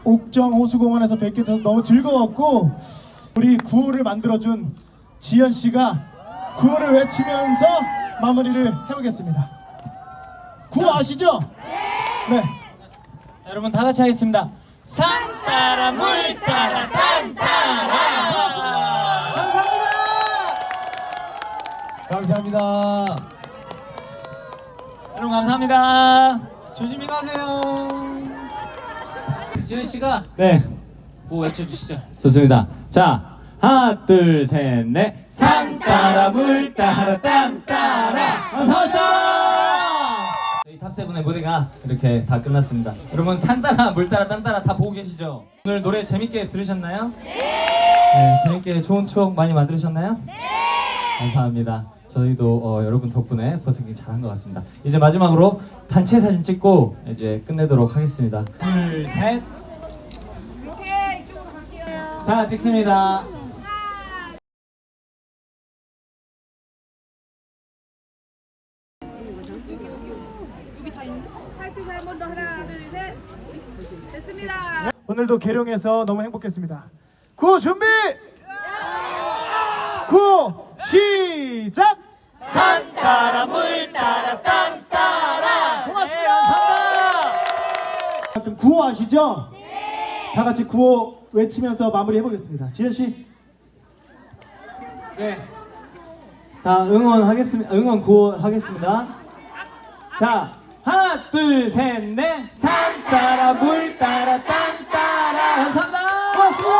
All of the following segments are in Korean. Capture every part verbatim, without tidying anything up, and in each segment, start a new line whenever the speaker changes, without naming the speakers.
옥정 호수공원에서 뵙게 돼서 너무 즐거웠고, 우리 구호를 만들어준 지연 씨가 구호를 외치면서 마무리를 해보겠습니다. 구호 아시죠? 네.
여러분 다 같이 하겠습니다. 산 따라 물 따라 땅 따라.
감사합니다. 감사합니다.
여러분 감사합니다.
조심히 가세요.
지은 씨가 네 구호 외쳐주시죠. 좋습니다. 자 하나 둘 셋 넷. 산 따라 물 따라 땅 따라. 어서 오세요. 저희 탑세븐의 무대가 이렇게 다 끝났습니다. 여러분 산 따라 물 따라 땅 따라 다 보고 계시죠? 오늘 노래 재밌게 들으셨나요? 네. 재밌게 좋은 추억 많이 만들으셨나요? 네. 감사합니다. 저희도 어, 여러분 덕분에 버스킹 잘한 것 같습니다. 이제 마지막으로 단체 사진 찍고 이제 끝내도록 하겠습니다. 둘, 셋.
이렇게 이쪽으로 갈게요.
자, 찍습니다.
여기 다 있는데? 팔뚝 한번 더 하나, 둘, 셋. 됐습니다.
오늘도 계룡에서 너무 행복했습니다. 구호 준비! 구호 시작!
산 따라 물 따라 땅 따라.
고맙습니다.
네, 감사합니다.
그럼 구호 아시죠? 네. 다 같이 구호 외치면서 마무리 해보겠습니다. 지현 씨.
네. 자, 응원하겠습니다. 응원 구호 하겠습니다. 자, 하나, 둘, 셋, 넷. 산 따라 물 따라 땅 따라. 감사합니다.
고맙습니다.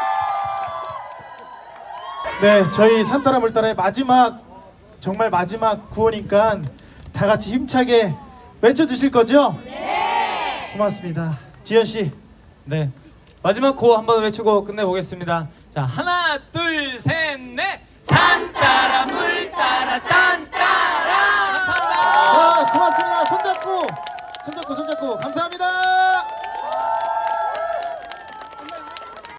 네, 저희 산따라 물따라의 마지막, 정말 마지막 구호니까 다 같이 힘차게 외쳐주실 거죠? 네. 고맙습니다. 지현 씨.
네. 마지막 구호 한번 외치고 끝내보겠습니다. 자, 하나, 둘, 셋, 넷. 산 따라 물 따라 땅 따라. 감사합니다.
아, 고맙습니다. 손잡고, 손잡고, 손잡고. 감사합니다.